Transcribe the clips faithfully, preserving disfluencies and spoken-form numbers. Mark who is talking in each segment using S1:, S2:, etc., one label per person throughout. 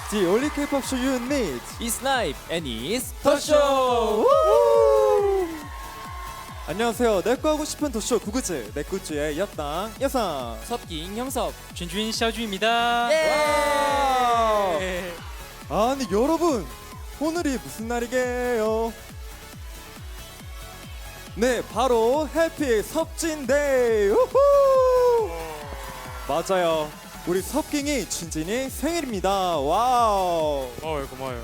S1: The only K-pop show you need.
S2: It's Night and it's
S1: 더쇼.
S2: 더쇼.
S1: 안녕하세요. 내꺼 하고 싶은 더쇼 구구즈 내꾸즈의 여당 여상.
S2: 섭깅 형섭.
S3: 준준 샤주입니다.
S1: 와우.
S3: 예.
S1: 아니 여러분 오늘이 무슨 날이게요? 네 바로 해피 섭진데이. 우후. 맞아요. 우리 섭깅이 진진이 생일입니다. 와우.
S3: 고마워요, 고마워요.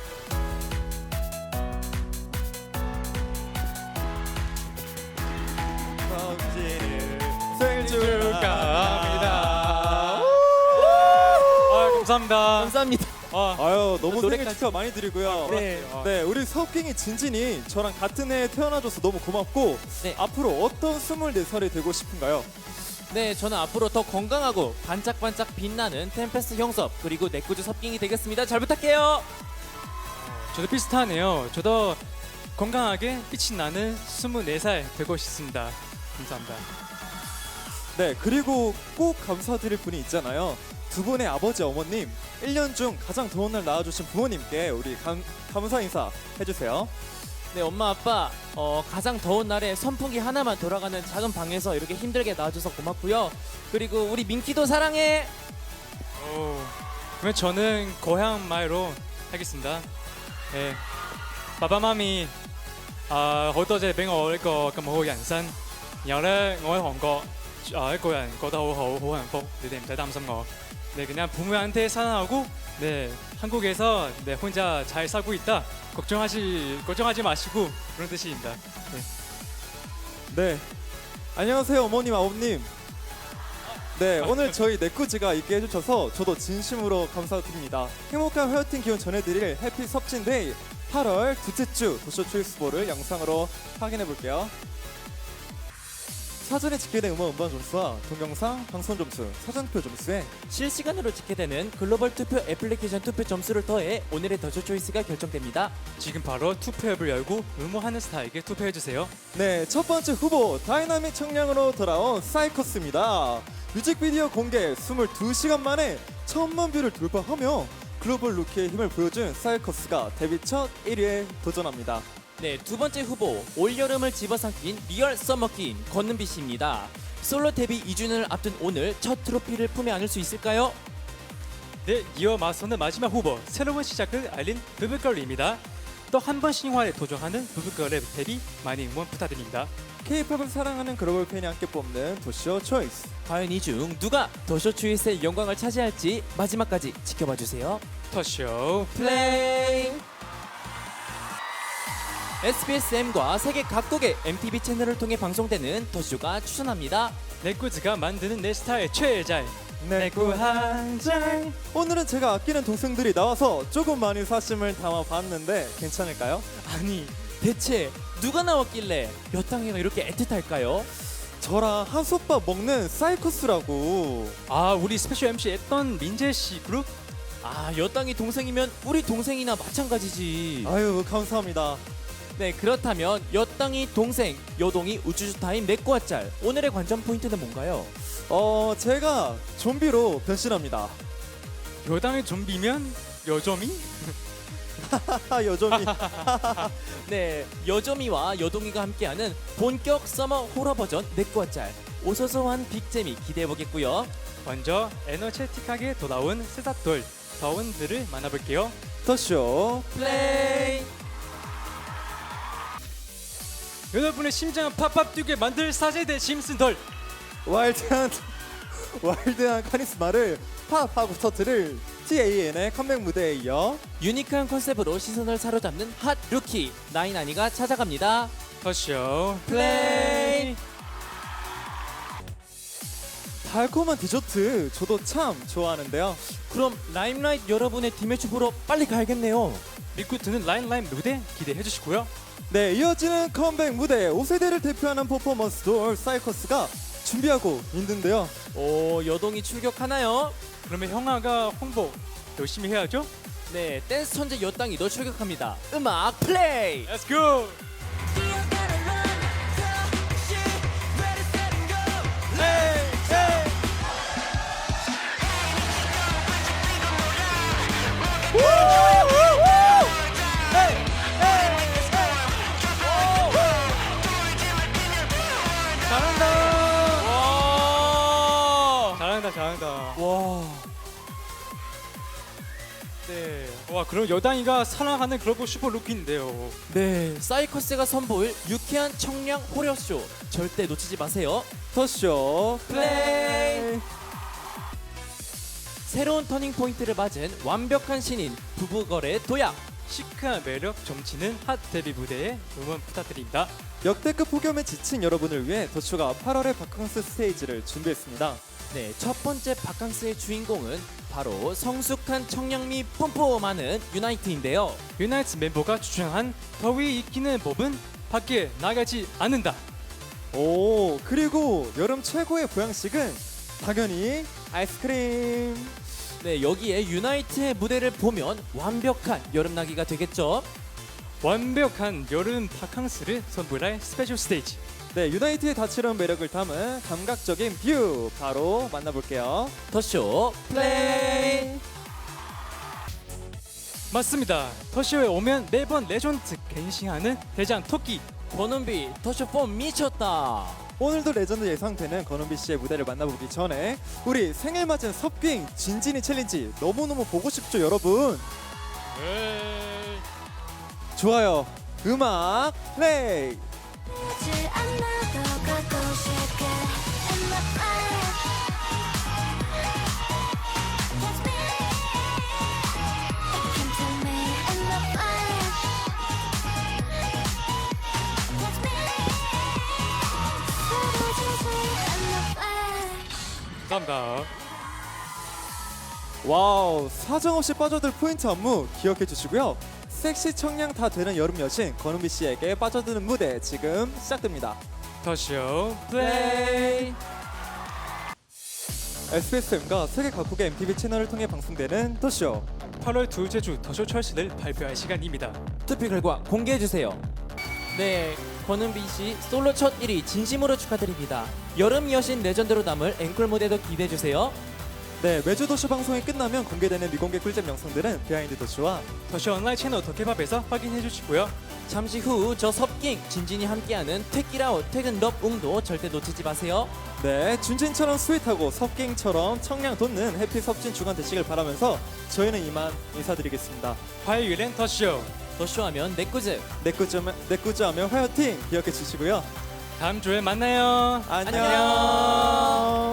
S1: 섭진이 생일
S3: 축하합니다.
S1: 축하합니다.
S3: 아, 감사합니다.
S2: 감사합니다.
S3: 아,
S1: 아유 너무 생일
S2: 노래까지.
S1: 축하 많이 드리고요.
S2: 네.
S3: 아,
S1: 네, 우리 섭깅이 진진이 저랑 같은 해에 태어나줘서 너무 고맙고
S2: 네.
S1: 앞으로 어떤 스물네 살이 되고 싶은가요?
S2: 네, 저는 앞으로 더 건강하고 반짝반짝 빛나는 템페스트 형섭 그리고 내꾸즈 섭깅이 되겠습니다. 잘 부탁해요.
S3: 저도 비슷하네요. 저도 건강하게 빛이 나는 스물네 살 되고 싶습니다. 감사합니다.
S1: 네, 그리고 꼭 감사드릴 분이 있잖아요. 두 분의 아버지, 어머님, 일 년 중 가장 더운 날 낳아주신 부모님께 우리 감, 감사 인사 해주세요.
S2: 네, 엄마 아빠 어, 가장 더운 날에 선풍기 하나만 돌아가는 작은 방에서 이렇게 힘들게 낳아줘서 고맙고요. 그리고 우리 민키도 사랑해.
S3: 오, 그러면 저는 고향 말로 하겠습니다. 예, 바바마미 à, hỗ trợ gia đình của tôi có một hồi ảnh sinh. Nhớ là tôi Hàn Quốc ở個人覺得好好好幸福，你哋唔使擔心我. 네, 그냥 부모한테 사랑하고 네, 한국에서 네, 혼자 잘 살고 있다. 걱정하시 걱정하지 마시고 그런 뜻입니다. 네.
S1: 네, 안녕하세요 어머님, 아버님. 네, 오늘 저희 내꾸즈가 있게 해주셔서 저도 진심으로 감사드립니다. 행복한 회어팅 기운 전해드릴 해피 섭진데이 팔월 둘째 주 도쇼 초이스볼을 영상으로 확인해 볼게요. 사전에 집계된 음원 음반 점수와 동영상 방송 점수, 사전표 점수에
S2: 실시간으로 집계되는 글로벌 투표 애플리케이션 투표 점수를 더해 오늘의 더쇼 초이스가 결정됩니다.
S3: 지금 바로 투표 앱을 열고 응모하는 스타에게 투표해 주세요.
S1: 네, 첫 번째 후보 다이나믹 청량으로 돌아온 사이커스입니다. 뮤직비디오 공개 이십이 시간 만에 천만 뷰를 돌파하며 글로벌 루키의 힘을 보여준 사이커스가 데뷔 첫 일 위에 도전합니다.
S2: 네, 두 번째 후보 올여름을 집어삼킨 리얼 서머킨 권은비 씨입니다. 솔로 데뷔 이 주년을 앞둔 오늘 첫 트로피를 품에 안을 수 있을까요?
S3: 네, 이어 맞서는 마지막 후보 새로운 시작을 알린 부부걸입니다. 또 한 번 신화에 도전하는 부부걸의 데뷔 많이 응원 부탁드립니다.
S1: K-팝을 사랑하는 글로벌 팬이 함께 뽑는 도쇼 초이스.
S2: 과연 이 중 누가 더쇼 초이스의 영광을 차지할지 마지막까지 지켜봐 주세요.
S3: 더쇼
S2: 플레이. 에스비에스엠과 세계 각국의 엠티비 채널을 통해 방송되는 더쇼가 추천합니다.
S3: 내꾸즈가 만드는 내 스타일 최애잘
S1: 내꾸 한장. 오늘은 제가 아끼는 동생들이 나와서 조금 많이 사심을 담아봤는데 괜찮을까요?
S2: 아니 대체 누가 나왔길래 여탕이가 이렇게 애틋할까요?
S1: 저랑 한솥밥 먹는 사이커스라고.
S3: 아, 우리 스페셜 엠씨 했던 민재씨 그룹?
S2: 아, 여땅이 동생이면 우리 동생이나 마찬가지지.
S1: 아유 감사합니다.
S2: 네, 그렇다면 여땅이 동생, 여동이 우주주 타임 내꺼와 짤. 오늘의 관전 포인트는 뭔가요?
S1: 어 제가 좀비로 변신합니다.
S3: 여당의 좀비면 여점이?
S1: 하하 여전히.
S2: 네, 여점이와 여동이가 함께하는 본격 서머 호러 버전 내꺼와 짤. 오소소한 빅재미 기대해보겠고요.
S3: 먼저 에너제틱하게 돌아온 세사돌 더운들을 만나볼게요.
S1: 더쇼
S2: 플레이.
S3: 여러분의 심장을 팍팍 뛰게 만들 사제대 심슨돌.
S1: 와일드한 와일드한 카리스마를 팝하고 터트릴 티에이엔의 컴백 무대에 이어
S2: 유니크한 컨셉으로 시선을 사로잡는 핫 루키 나인아니가 찾아갑니다.
S3: 더쇼
S2: 플레이.
S1: 달콤한 디저트 저도 참 좋아하는데요.
S2: 그럼 라임라이트 여러분의 디매치 보러 빨리 가야겠네요.
S3: 리쿠트는 라인라인 무대 기대해 주시고요.
S1: 네, 이어지는 컴백 무대 오 세대를 대표하는 퍼포먼스 돌 사이커스가 준비하고 있는데요.
S2: 오, 여동이 출격하나요?
S3: 그러면 형아가 홍보 열심히 해야죠.
S2: 네, 댄스 천재 여땅이 너 출격합니다. 음악 플레이.
S3: Let's go.
S1: 에이, 에이.
S3: 네. 와 그럼 여당이가 사랑하는 글로벌 슈퍼 루키인데요.
S2: 네, 사이커스가 선보일 유쾌한 청량 호러쇼 절대 놓치지 마세요.
S1: 더쇼
S2: 플레이. 새로운 터닝 포인트를 맞은 완벽한 신인 부부거래 도약.
S3: 시크한 매력 점치는 핫 데뷔 무대에 응원 부탁드립니다.
S1: 역대급 폭염에 지친 여러분을 위해 더쇼가 팔월의 바캉스 스테이지를 준비했습니다.
S2: 네, 첫 번째 바캉스의 주인공은 바로 성숙한 청량미 뿜뿜하는 유나이트인데요.
S3: 유나이트 멤버가 주장한 더위 익히는 법은 밖에 나가지 않는다.
S1: 오, 그리고 여름 최고의 보양식은 당연히 아이스크림.
S2: 네, 여기에 유나이트의 무대를 보면 완벽한 여름나기가 되겠죠.
S3: 완벽한 여름 바캉스를 선물할 스페셜 스테이지.
S1: 네, 유나이트의 다채로운 매력을 담은 감각적인 뷰 바로 만나볼게요.
S2: 더쇼 플레이.
S3: 맞습니다. 더쇼에 오면 매번 레전드 갱신하는 대장 토끼.
S2: 권은비 더쇼 폼 미쳤다.
S1: 오늘도 레전드 예상되는 권은비 씨의 무대를 만나보기 전에 우리 생일 맞은 섭깅 진진이 챌린지 너무너무 보고 싶죠, 여러분? 좋아요. 음악 플레이.
S4: 질 않아도 걷고 싶게 in the fire. Catch me, it came to me in the fire. Catch me, 쓰러지지 in the fire.
S3: 감사합니다.
S1: 와우, 사정없이 빠져들 포인트 안무 기억해 주시고요. 섹시 청량 다 되는 여름 여신 권은비 씨에게 빠져드는 무대 지금 시작됩니다.
S3: 더쇼
S2: 플레이.
S1: 에스비에스엠과 세계 각국의 엠티비 채널을 통해 방송되는 더쇼.
S3: 팔월 둘째 주 더쇼 철수를 발표할 시간입니다.
S2: 투표 결과 공개해 주세요. 네, 권은비 씨 솔로 첫 일 위 진심으로 축하드립니다. 여름 여신 레전드로 남을 앵콜 무대도 기대해 주세요.
S1: 네, 매주 더쇼 방송이 끝나면 공개되는 미공개 꿀잼 영상들은 비하인드 더쇼와
S3: 더쇼 온라인 채널 더케밥에서 확인해 주시고요.
S2: 잠시 후 저 섭깅 진진이 함께하는 퇴끼라웃 퇴근 럽 웅도 절대 놓치지 마세요.
S1: 네, 준진처럼 스윗하고 섭깅처럼 청량 돋는 해피 섭진 주간 되시길 바라면서 저희는 이만 인사드리겠습니다.
S3: 화요일엔 더쇼.
S2: 더쇼하면 내꾸즈.
S1: 내꾸즈하면, 내꾸즈하면 화요팅 기억해 주시고요.
S3: 다음 주에 만나요.
S1: 안녕.
S2: 안녕.